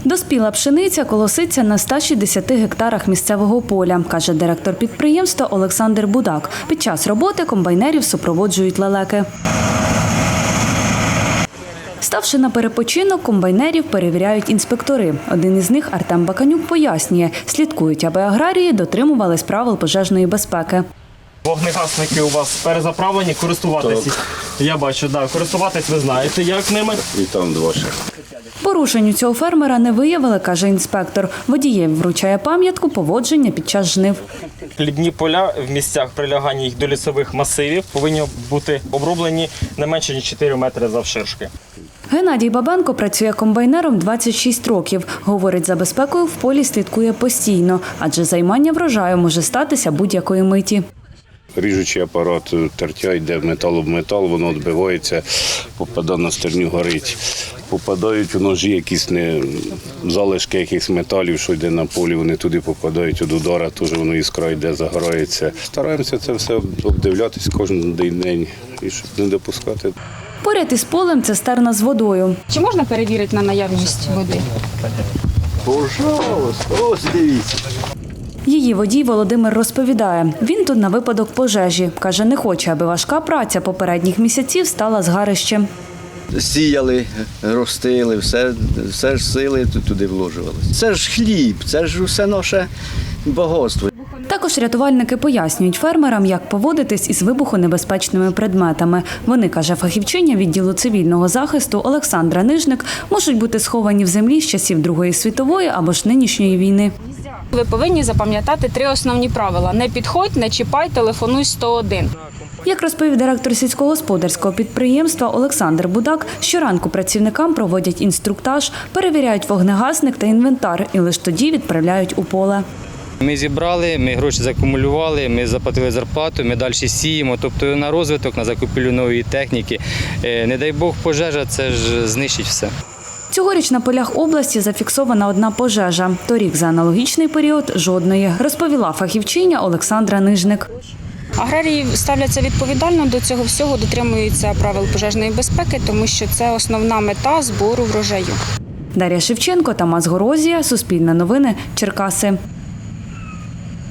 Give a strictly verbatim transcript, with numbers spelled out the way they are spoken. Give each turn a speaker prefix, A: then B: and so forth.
A: Доспіла пшениця колоситься на ста шістдесяти гектарах місцевого поля, каже директор підприємства Олександр Будак. Під час роботи комбайнерів супроводжують лелеки. Ставши на перепочинок, комбайнерів перевіряють інспектори. Один із них, Артем Баканюк, пояснює, слідкують, аби аграрії дотримувались правил пожежної безпеки.
B: Вогнегасники у вас перезаправлені, користуватися. Я бачу, да, користуватись ви знаєте, як ними.
C: І там два ще.
A: Порушень у цього фермера не виявили, каже інспектор. Водієві вручає пам'ятку поводження під час жнив.
B: Хлібні поля в місцях прилягання їх до лісових масивів повинні бути оброблені не менше ніж чотири метри завширшки.
A: Геннадій Бабенко працює комбайнером двадцять шість років. Говорить, за безпекою в полі слідкує постійно, адже займання врожаю може статися будь-якої миті.
C: Ріжучий апарат, тертя йде метал об метал, воно відбивається, попадає на стерню, горить. Попадають у ножі якісь не залишки якихось металів, що йде на полі, вони туди попадають від удара, теж воно іскра йде, загорається. Стараємося це все обдивлятись кожен день, і щоб не допускати.
A: Поряд із полем цистерна з водою.
D: Чи можна перевірити на наявність води?
C: Пожалуйста, ось дивіться.
A: Її водій Володимир розповідає, він тут на випадок пожежі. Каже, не хоче, аби важка праця попередніх місяців стала згарищем.
E: Сіяли, ростили, все, все ж сили туди вложувалися. Це ж хліб, це ж усе наше багатство.
A: Також рятувальники пояснюють фермерам, як поводитись із вибухонебезпечними предметами. Вони, каже фахівчиня відділу цивільного захисту Олександра Нижник, можуть бути сховані в землі з часів Другої світової або ж нинішньої війни.
D: Ви повинні запам'ятати три основні правила. Не підходь, не чіпай, телефонуй сто один.
A: Як розповів директор сільськогосподарського підприємства Олександр Будак, щоранку працівникам проводять інструктаж, перевіряють вогнегасник та інвентар і лише тоді відправляють у поле.
F: Ми зібрали, ми гроші закумулювали, ми заплатили зарплату, ми далі сіємо, тобто на розвиток, на закупівлю нової техніки. Не дай Бог пожежа, це ж знищить все.
A: Цьогоріч на полях області зафіксована одна пожежа. Торік за аналогічний період – жодної, розповіла фахівчиня Олександра Нижник.
D: Аграрії ставляться відповідально до цього всього, дотримуються правил пожежної безпеки, тому що це основна мета збору врожаю.
A: Дар'я Шевченко, Тамас Горозія, Суспільне новини, Черкаси.